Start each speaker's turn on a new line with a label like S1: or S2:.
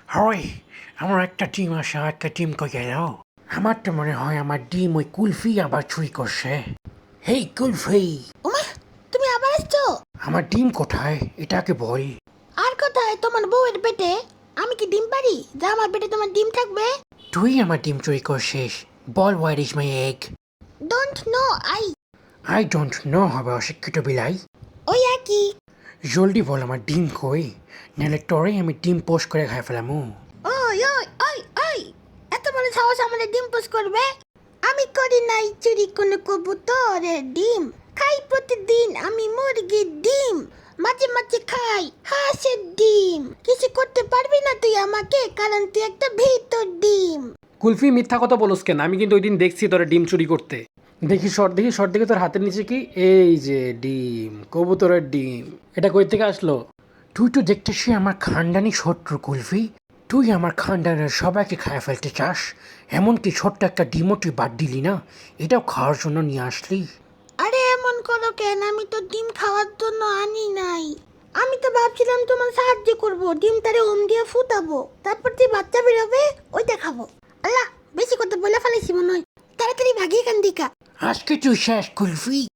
S1: হয় আমার একটা ডিম আসে আর একটা ডিম কই গেল? আমার তো মনে হয় আমার ডিম ওই কুলফি আবার চুরি করছে। হেই কুলফি,
S2: ওমা, তুমি আবার আসছো?
S1: আমার ডিম কোথায় এটাকে বল।
S2: আর কোথায় তোমার বউয়ের পেটে? আমি কি ডিম পারি যা আমার পেটে তোমার ডিম থাকবে?
S1: তুই আমার ডিম চুরি করছিস, বল where is my egg.
S2: Don't know
S1: I don't know হবে অশিক্ষিত বিলাই।
S2: ওই একই।
S1: জলদি বল আমার ডিম কই, নাহলে তোরে আমি ডিম পোস্ট করে খাই ফেলামু।
S2: ওই ওই ওই ওই, এত বড় সাহস আমাদের ডিম পোষ করবে? আমি করি নাই চুরি কোনো কবুতরের ডিম। খাই প্রতিদিন আমি মুরগির ডিম, মাঝে মাঝে খাই হাঁসের ডিম। কিছু করতে পারবি না তুই আমাকে, কারণ তুই একটা ভিতর ডিম।
S3: কুলফি মিথ্যা কথা বলস কেন? আমি কিন্তু ওই দিন দেখছি তোরা ডিম চুরি করতে। দেখি শর্ট দেখে তোর হাতের নিচে কি? এই যে ডিম, কবুতরের ডিম। এটা কই থেকে আসলো?
S1: তুই তো দেখতেছি আমার খানদানি শত্রু কুলফি। তুই আমার খানদানের সবাইকে খায় ফেলতে চাস, এমনকি ছোট্ট একটা ডিমও তুই বাদ দিলি না, এটাও খাওয়ার জন্য নিয়ে আসলি।
S2: আরে এমন করো কেন? আমি তো ডিম খাওয়ার জন্য আনি নাই। আমি তো ভাবছিলাম তোমার সাহায্য করব, ডিমটারে ওম দিয়ে ফুটাবো, তারপর যে বাচ্চা বেরোবে ওইটা খাবো। আল্লাহ, বেশি কথা বলে ফেলেছি মনে হয়। তাড়াতাড়ি ভাগিয়ে এখান দিকা।
S1: আজকে তুই শেষ কুলফি।